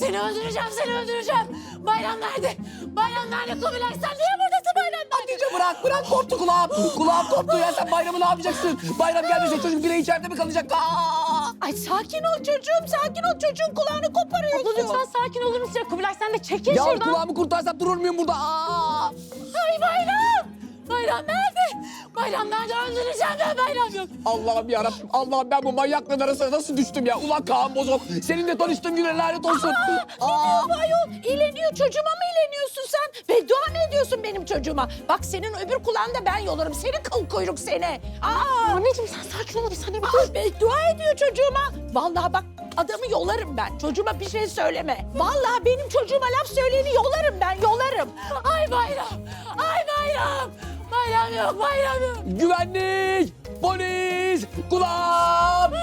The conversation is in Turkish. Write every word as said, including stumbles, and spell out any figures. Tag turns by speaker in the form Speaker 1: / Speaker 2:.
Speaker 1: Seni öldüreceğim, seni öldüreceğim. Bayram nerede? Bayram nerede? Kubilay sen niye buradasın Bayram nerede?
Speaker 2: Hatice bırak bırak koptu kulağım. Kulağım koptu ya, sen bayramı ne yapacaksın? Bayram gelmese çocuk bile içeride mi kalacak? Aa!
Speaker 3: Ay sakin ol çocuğum, sakin ol. Çocuğun kulağını koparıyorsun.
Speaker 1: Abla lütfen sakin olur musun ya? Kubilay sen de çekil
Speaker 2: Ya
Speaker 1: şuradan.
Speaker 2: kulağımı kurtarsam durur muyum burada? Aa!
Speaker 1: Ay Bayram! Bayram nerede? Bayram nerede? Öldüreceğim ben, Bayram yok.
Speaker 2: Allah'ım yarabbim, Allah'ım ben bu manyakların arasına nasıl düştüm ya? Ulan Kaan Bozok, seninle tanıştığım güne lanet olsun. Aa!
Speaker 3: Ne ayol? İğleniyor çocuğuma mı ileniyorsun sen? Beddua mı ediyorsun benim çocuğuma? Bak senin öbür kulağında ben yolarım. Seni kıl kuyruk seni. Aa!
Speaker 1: Anneciğim sen sakin ol bir saniye.
Speaker 3: Aa, beddua ediyor çocuğuma. Vallahi bak adamı yolarım ben. Çocuğuma bir şey söyleme. Vallahi benim çocuğuma laf söyleyeni yolarım ben, yolarım.
Speaker 1: Ay Bayram! Ay Bayram! Bayram yok, Bayram yok.
Speaker 2: Güvenlik, polis, kulağım.